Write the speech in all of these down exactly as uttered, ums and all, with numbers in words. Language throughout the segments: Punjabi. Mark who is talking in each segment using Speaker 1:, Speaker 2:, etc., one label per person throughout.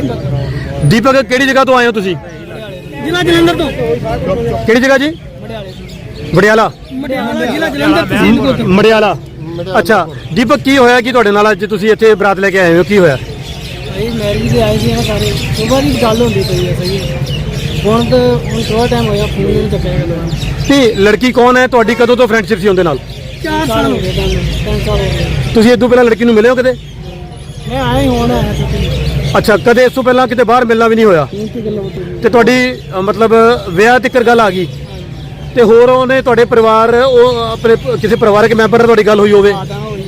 Speaker 1: दीपक किहड़ी जगह तो आए हो तुसी?
Speaker 2: जिला जलंधर तो।
Speaker 1: किहड़ी जगह जी? मडियाला। मडियाला। अच्छा दीपक की होया कि तुहाडे नाल अज तुसी इत्थे बरात लेके आए हो, की होया?
Speaker 2: भाई मैरिज से आए थे ना सारे, सुबह की गल होंदी पई है सही हुण तो हुण थोड़ा टाइम होया फोन नहीं चुक्या।
Speaker 1: ते लड़की कौन है तुहाडी, कदों तो फ्रेंडशिप सी उनदे नाल?
Speaker 2: चार साल हो गए, तीन साल हो गए।
Speaker 1: तुसी इस तों पहलां लड़की नूं मिले हो कदे?
Speaker 2: मैं आया ही हुण आया छुट्टी।
Speaker 1: अच्छा कदे इस तों पहलां किते बाहर मिलना भी नहीं होया ते तुहाडी मतलब विआह तक गल आ गई ते होर ओने तुहाडे परिवार ओ अपने किसी परिवारक मैंबर नाल तुहाडी गल होई होवे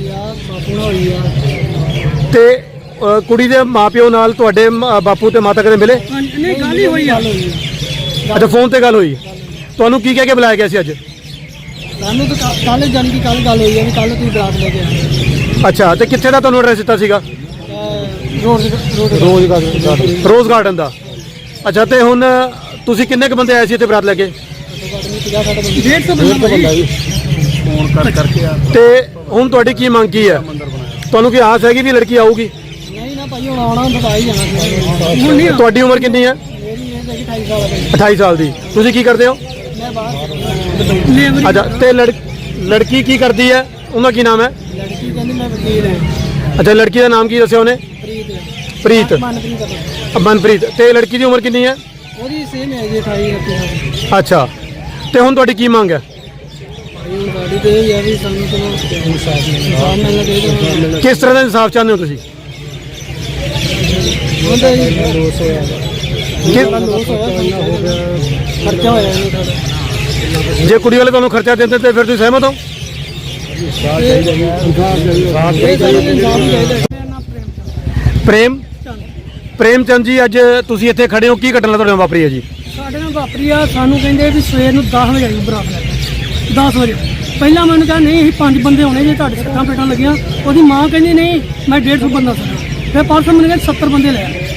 Speaker 1: ते कुड़ी दे माँ प्यो नाल तुहाडे बापू ते माता कदे मिले?
Speaker 2: नहीं गल ही होई आ।
Speaker 1: अच्छा फोन ते गल होई। तुहानूं की कह के बुलाया गया सी अज?
Speaker 2: सानू तो कल जान की कल गल होई है, कल तुसीं बरात लेके आए।
Speaker 1: अच्छा ते कित्थे दा तुहानूं एड्रैस दित्ता सीगा?
Speaker 2: रोज गार्डन।
Speaker 1: रोज गार्डन दा। अच्छा ते हुण तुसीं किन्ने क बंदे आए सी इत्थे बरात लेके?
Speaker 2: डेढ़ सौ बंदा फोन कर करके आ।
Speaker 1: ते हुण तुहाडी की मंग की है? तुहानूं की आस हैगी भी लड़की आऊगी?
Speaker 2: नहीं ना भाई हुण आउणा हुंदा तां आ ही जाना। हुण नहीं।
Speaker 1: तुहाडी उम्र कितनी है?
Speaker 2: मेरी है अठाई साल है।
Speaker 1: अठाई साल दी। तुसीं की करदे हो?
Speaker 2: मैं बाहर।
Speaker 1: अच्छा ते लड़ लड़की की करदी है, उनका की नाम है?
Speaker 2: लड़की कहंदी मैं वकील है।
Speaker 1: अच्छा लड़की का नाम की दस्सिया उन्हें?
Speaker 2: प्रीत।
Speaker 1: प्रीत।
Speaker 2: मनप्रीत।
Speaker 1: मनप्रीत। ते लड़की की उम्र कितनी है?
Speaker 2: ਉਹਦੀ ਸੇਮ ਹੈ ਜੀ ਅਠਾਈ ਉਨੱਤੀ।
Speaker 1: अच्छा ਤੇ ਹੁਣ ਤੁਹਾਡੀ ਕੀ ਮੰਗ ਹੈ?
Speaker 2: ਭਾਈ ਹੁਣ ਸਾਡੀ ਤੇ ਇਹ ਹੈ ਵੀ ਸਾਨੂੰ ਚਲੋ ਇਨਸਾਫ ਮਿਲਣਾ ਚਾਹੀਦਾ।
Speaker 1: ਕਿਸ ਤਰ੍ਹਾਂ ਦਾ ਇਨਸਾਫ ਚਾਹੁੰਦੇ ਹੋ ਤੁਸੀਂ?
Speaker 2: ਹੁੰਦਾ ਜੀ ਲੋਸ ਹੋਇਆ ਕਿੰਨਾ ਲੋਸ ਹੋਇਆ ਹੋ ਗਿਆ, ਖਰਚਾ ਹੋਇਆ ਇਹਨੂੰ ਸਾਡਾ।
Speaker 1: ਜੇ ਕੁੜੀ ਵਾਲੇ ਤੁਹਾਨੂੰ ਖਰਚਾ ਦਿੰਦੇ ਤੇ ਫਿਰ ਤੁਸੀਂ ਸਹਿਮਤ ਹੋ? ਪ੍ਰੇਮ ਪ੍ਰੇਮ ਚੰਦ ਜੀ ਅੱਜ ਤੁਸੀਂ ਇੱਥੇ ਖੜੇ ਹੋ, ਕੀ ਘਟਨਾ ਤੁਹਾਡੇ ਨਾਲ ਵਾਪਰੀ ਹੈ ਜੀ?
Speaker 2: ਸਾਡੇ ਨਾਲ ਵਾਪਰੀ ਆ, ਸਾਨੂੰ ਕਹਿੰਦੇ ਵੀ ਸਵੇਰ ਨੂੰ ਦਸ ਵਜੇ ਆਈ ਬਰਾਤ ਲੈ ਕੇ। ਦਸ ਵਜੇ ਪਹਿਲਾਂ ਮੈਨੂੰ ਕਿਹਾ ਨਹੀਂ ਅਸੀਂ ਪੰਜ ਬੰਦੇ ਹੋਣੇ ਜੇ ਤੁਹਾਡੇ ਸੱਟਾਂ ਪੇਟਾਂ ਲੱਗੀਆਂ। ਉਹਦੀ ਮਾਂ ਕਹਿੰਦੀ ਨਹੀਂ ਮੈਂ ਡੇਢ ਸੌ ਬੰਦਾ ਸੀ। ਫਿਰ ਪਰਸੋਂ ਮੈਨੂੰ ਕਹਿੰਦੇ ਸੱਤਰ ਬੰਦੇ ਲੈ ਆਏ।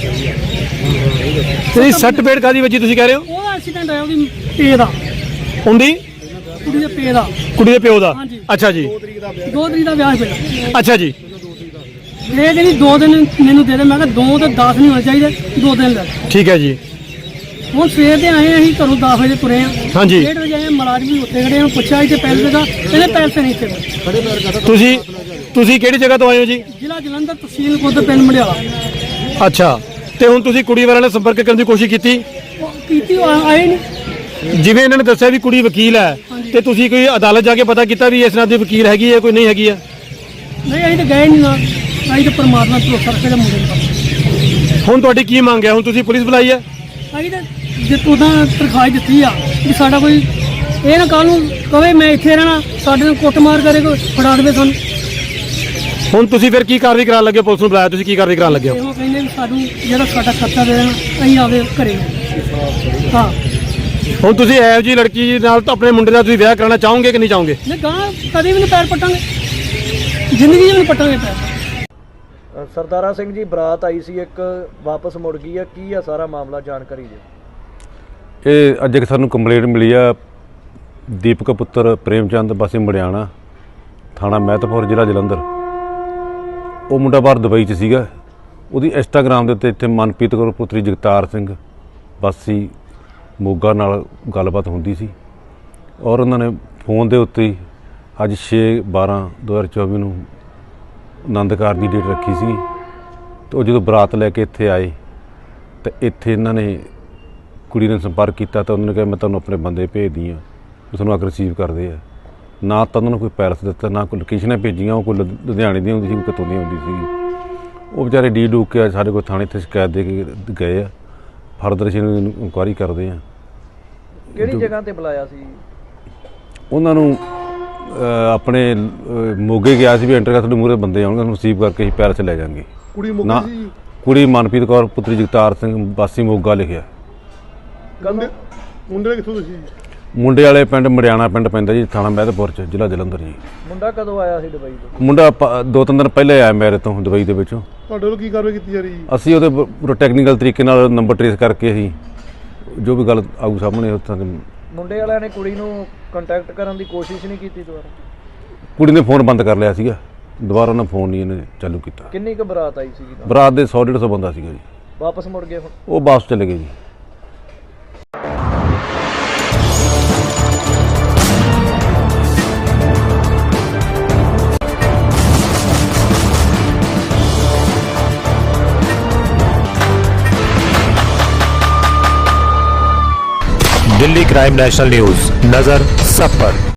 Speaker 1: ਤੁਸੀਂ ਸੱਟ ਪੇਟ ਕਾਦੀ ਵੱਜੀ ਤੁਸੀਂ ਕਹਿ ਰਹੇ ਹੋ?
Speaker 2: ਉਹਦਾ ਐਕਸੀਡੈਂਟ ਆਇਆ ਉਹਦੀ ਪੇ ਦਾ,
Speaker 1: ਹੁੰਦੀ
Speaker 2: ਕੁੜੀ ਦੇ ਪੇ ਦਾ,
Speaker 1: ਕੁੜੀ ਦੇ ਪਿਓ ਦਾ।
Speaker 2: ਹਾਂਜੀ।
Speaker 1: ਅੱਛਾ ਜੀ।
Speaker 2: ਦੋ ਤਰੀਕ ਦਾ ਵਿਆਹ ਪਿਆ।
Speaker 1: ਅੱਛਾ ਜੀ।
Speaker 2: ਇਹ ਕਹਿੰਦੀ ਦੋ ਦਿਨ ਮੈਨੂੰ ਦੇ ਦੇ। ਮੈਂ ਕਿਹਾ ਦੋ ਤੇ ਦਸ ਨਹੀਂ ਹੋਣੇ ਚਾਹੀਦੇ, ਦੋ ਦਿਨ ਲੈ।
Speaker 1: ਠੀਕ ਹੈ ਜੀ।
Speaker 2: ਹੁਣ ਸਵੇਰ ਦੇ ਆਏ ਅਸੀਂ ਘਰੋਂ ਦਸ ਵਜੇ ਤੁਰੇ ਆ।
Speaker 1: ਹਾਂਜੀ।
Speaker 2: ਡੇਢ ਵਜੇ ਆਏ, ਮੁਲਾਜ਼ਮ ਵੀ ਉੱਥੇ ਖੜੇ ਆ। ਪੁੱਛਿਆ ਇੱਥੇ ਪੈਸੇ ਦਾ, ਕਹਿੰਦੇ ਪੈਸੇ ਨਹੀਂ ਇੱਥੇ।
Speaker 1: ਤੁਸੀਂ ਤੁਸੀਂ ਕਿਹੜੀ ਜਗ੍ਹਾ ਤੋਂ ਆਏ ਹੋ ਜੀ?
Speaker 2: ਜ਼ਿਲ੍ਹਾ ਜਲੰਧਰ, ਤਹਿਸੀਲ ਖੁਦ, ਪਿੰਡ ਮੜਿਆਲਾ।
Speaker 1: ਅੱਛਾ ਤੇ ਹੁਣ ਤੁਸੀਂ ਕੁੜੀ ਵਾਲਿਆਂ ਨਾਲ ਸੰਪਰਕ ਕਰਨ ਦੀ ਕੋਸ਼ਿਸ਼ ਕੀਤੀ?
Speaker 2: ਉਹ ਕੀਤੀ, ਉਹ ਆਏ ਨਹੀਂ।
Speaker 1: ਜਿਵੇਂ ਇਹਨਾਂ ਨੇ ਦੱਸਿਆ ਵੀ ਕੁੜੀ ਵਕੀਲ ਹੈ ਤੇ ਤੁਸੀਂ ਕੋਈ ਅਦਾਲਤ ਜਾ ਕੇ ਪਤਾ ਕੀਤਾ ਵੀ ਇਸ ਨਾਲ ਦੀ ਵਕੀਲ ਹੈਗੀ ਹੈ ਕੋਈ ਨਹੀਂ ਹੈਗੀ ਹੈ?
Speaker 2: ਨਹੀਂ ਅਸੀਂ ਤਾਂ ਗਏ ਨਹੀਂ ਨਾ, ਅਸੀਂ ਤਾਂ ਪਰਮਾਤਮਾ ਭਰੋਸਾ ਰੱਖੇ ਦਾ ਮੁੰਡੇ ਨੂੰ।
Speaker 1: ਹੁਣ ਤੁਹਾਡੀ ਕੀ ਮੰਗ ਹੈ? ਹੁਣ ਤੁਸੀਂ ਪੁਲਿਸ ਬੁਲਾਈ ਹੈ?
Speaker 2: ਅਸੀਂ ਤਾਂ ਜੇ ਉਹਦਾ ਤਰਖਾਸ਼ ਦਿੱਤੀ ਆ ਵੀ ਸਾਡਾ ਕੋਈ ਇਹ ਨਾ ਕੱਲ੍ਹ ਨੂੰ ਕਵੇ ਮੈਂ ਇੱਥੇ ਰਹਿਣਾ, ਸਾਡੇ ਨਾਲ ਕੁੱਟਮਾਰ ਕਰੇ, ਕੋਈ ਫੜਾ ਦੇਵੇ ਸਾਨੂੰ।
Speaker 1: ਹੁਣ ਤੁਸੀਂ ਫਿਰ ਕੀ ਕਾਰਵਾਈ ਕਰਾਉਣ ਲੱਗੇ? ਪੁਲਿਸ ਨੂੰ ਬੁਲਾਇਆ, ਤੁਸੀਂ ਕੀ ਕਾਰਵਾਈ ਕਰਾਉਣ ਲੱਗੇ ਹੋ?
Speaker 2: ਇਹੋ ਕਹਿੰਦੇ ਵੀ ਸਾਨੂੰ ਜਿਹੜਾ ਸਾਡਾ ਖਰਚਾ ਦੇ ਦੇਣਾ, ਅਸੀਂ ਆਵੇ ਘਰੇ। ਹਾਂ
Speaker 1: ਹੁਣ ਤੁਸੀਂ ਇਹੋ ਜਿਹੀ ਲੜਕੀ ਨਾਲ ਤਾਂ ਆਪਣੇ ਮੁੰਡੇ ਦਾ ਤੁਸੀਂ ਵਿਆਹ ਕਰਾਉਣਾ ਚਾਹੋਗੇ ਕਿ ਨਹੀਂ ਚਾਹੋਗੇ?
Speaker 2: ਨਹੀਂ ਗਾਂ ਕਦੇ ਵੀ ਨਹੀਂ ਪੈਰ ਪੱਟਾਂਗੇ, ਜ਼ਿੰਦਗੀ 'ਚ ਵੀ ਨਹੀਂ ਪੱਟਾਂਗੇ ਪੈਰ।
Speaker 3: ਸਰਦਾਰਾ ਸਿੰਘ ਜੀ ਬਰਾਤ ਆਈ ਸੀ ਇੱਕ, ਵਾਪਸ ਮੁੜ ਗਈ ਆ, ਕੀ ਆ ਸਾਰਾ ਮਾਮਲਾ ਜਾਣਕਾਰੀ ਦਿਓ।
Speaker 4: ਇਹ ਅੱਜ ਇੱਕ ਸਾਨੂੰ ਕੰਪਲੇਂਟ ਮਿਲੀ ਆ, ਦੀਪਕ ਪੁੱਤਰ ਪ੍ਰੇਮ ਚੰਦ ਵਾਸੀ ਮੜਿਆਣਾ, ਥਾਣਾ ਮਹਿਤਪੁਰ, ਜ਼ਿਲ੍ਹਾ ਜਲੰਧਰ। ਉਹ ਮੁੰਡਾ ਬਾਹਰ ਦੁਬਈ 'ਚ ਸੀਗਾ। ਉਹਦੀ ਇੰਸਟਾਗ੍ਰਾਮ ਦੇ ਉੱਤੇ ਇੱਥੇ ਮਨਪ੍ਰੀਤ ਕੌਰ ਪੁੱਤਰੀ ਜਗਤਾਰ ਸਿੰਘ ਵਾਸੀ ਮੋਗਾ ਨਾਲ ਗੱਲਬਾਤ ਹੁੰਦੀ ਸੀ ਔਰ ਉਹਨਾਂ ਨੇ ਫੋਨ ਦੇ ਉੱਤੇ ਹੀ ਅੱਜ ਛੇ ਬਾਰਾਂ ਦੋ ਹਜ਼ਾਰ ਚੌਵੀ ਨੂੰ ਆਨੰਦ ਕਾਰਜ ਦੀ ਡੇਟ ਰੱਖੀ ਸੀ ਤੇ ਉਹ ਜਦੋਂ ਬਰਾਤ ਲੈ ਕੇ ਇੱਥੇ ਆਏ ਤਾਂ ਇੱਥੇ ਇਹਨਾਂ ਨੇ ਕੁੜੀ ਨੇ ਸੰਪਰਕ ਕੀਤਾ ਤਾਂ ਉਹਨਾਂ ਨੇ ਕਿਹਾ ਮੈਂ ਤੁਹਾਨੂੰ ਆਪਣੇ ਬੰਦੇ ਭੇਜਦੀ ਹਾਂ, ਉਹ ਤੁਹਾਨੂੰ ਆ ਕੇ ਰਿਸੀਵ ਕਰਦੇ ਆ। ਨਾ ਤਾਂ ਉਹਨਾਂ ਨੂੰ ਕੋਈ ਪੈਰਸ ਦਿੱਤਾ, ਨਾ ਕੋਈ ਲੋਕੇਸ਼ਨਾਂ ਭੇਜੀਆਂ। ਉਹ ਕੋਈ ਲੁਧਿਆਣੇ ਦੀ ਹੁੰਦੀ ਸੀ, ਕੋਈ ਕਿਤੋਂ ਦੀ ਹੁੰਦੀ ਸੀਗੀ। ਉਹ ਵਿਚਾਰੇ ਡੀ ਡੂਕ ਕੇ ਸਾਡੇ ਕੋਲ ਥਾਣੇ 'ਤੇ ਸ਼ਿਕਾਇਤ ਦੇ ਕੇ ਗਏ ਆ। ਫਰਦਰ ਅਸੀਂ ਇਨਕੁਆਇਰੀ ਕਰਦੇ ਹਾਂ।
Speaker 3: ਕਿਹੜੀ ਜਗ੍ਹਾ ਤੇ ਬੁਲਾਇਆ ਸੀ
Speaker 4: ਉਹਨਾਂ ਨੂੰ? ਆਪਣੇ ਮੋਗੇ ਗਿਆ ਸੀ ਵੀ ਐਂਟਰ ਕਰ ਤੁਹਾਡੇ ਮੂਹਰੇ ਬੰਦੇ ਆਉਣਗੇ, ਤੁਹਾਨੂੰ ਰਿਸੀਵ ਕਰਕੇ ਅਸੀਂ ਪੈਰਸ ਲੈ ਜਾਵਾਂਗੇ।
Speaker 1: ਕੁੜੀ
Speaker 4: ਨਾ ਕੁੜੀ ਮਨਪ੍ਰੀਤ ਕੌਰ ਪੁੱਤਰੀ ਜਗਤਾਰ ਸਿੰਘ ਵਾਸੀ ਮੋਗਾ ਲਿਖਿਆ।
Speaker 1: ਮੁੰਡੇ ਕਿੱਥੋਂ ਤੁਸੀਂ?
Speaker 4: ਮੁੰਡੇ ਵਾਲੇ ਪਿੰਡ ਮੜਿਆਣਾ ਪਿੰਡ ਪੈਂਦਾ ਜੀ, ਥਾਣਾ ਮਹਿਤਪੁਰ 'ਚ, ਜ਼ਿਲ੍ਹਾ ਜਲੰਧਰ ਜੀ।
Speaker 3: ਮੁੰਡਾ ਕਦੋਂ ਆਇਆ ਸੀ ਦੁਬਈ ਤੋਂ?
Speaker 4: ਮੁੰਡਾ ਦੋ ਤਿੰਨ ਦਿਨ ਪਹਿਲੇ ਆਇਆ ਮੇਰੇ ਤੋਂ ਦੁਬਈ ਦੇ ਵਿੱਚੋਂ।
Speaker 1: ਤੁਹਾਡੇ ਵੱਲੋਂ ਕੀ ਕਾਰਵਾਈ ਕੀਤੀ ਜਾ ਰਹੀ?
Speaker 4: ਅਸੀਂ ਉਹਦੇ ਪੂਰਾ ਟੈਕਨੀਕਲ ਤਰੀਕੇ ਨਾਲ ਨੰਬਰ ਟਰੇਸ ਕਰਕੇ ਅਸੀਂ ਜੋ ਵੀ ਗੱਲ ਆਊ ਸਾਹਮਣੇ ਉੱਥਾਂ ਦੇ।
Speaker 3: ਮੁੰਡੇ ਵਾਲਿਆਂ ਨੇ ਕੁੜੀ ਨੂੰ ਕੰਟੈਕਟ ਕਰਨ ਦੀ ਕੋਸ਼ਿਸ਼ ਨਹੀਂ ਕੀਤੀ ਦੁਬਾਰਾ?
Speaker 4: ਕੁੜੀ ਨੇ ਫੋਨ ਬੰਦ ਕਰ ਲਿਆ ਸੀਗਾ, ਦੁਬਾਰਾ ਉਹਨਾਂ ਫੋਨ ਨਹੀਂ ਇਹਨੇ ਚਾਲੂ ਕੀਤਾ।
Speaker 3: ਕਿੰਨੀ ਕੁ ਬਰਾਤ ਆਈ ਸੀਗੀ?
Speaker 4: ਬਰਾਤ ਦੇ ਸੌ ਡੇਢ ਸੌ ਬੰਦਾ ਸੀਗਾ ਜੀ।
Speaker 3: ਵਾਪਸ ਮੁੜ ਗਏ ਹੁਣ?
Speaker 4: ਉਹ ਵਾਪਸ ਚਲੇ ਗਏ ਜੀ।
Speaker 5: दिल्ली क्राइम नेशनल न्यूज, नजर सब पर।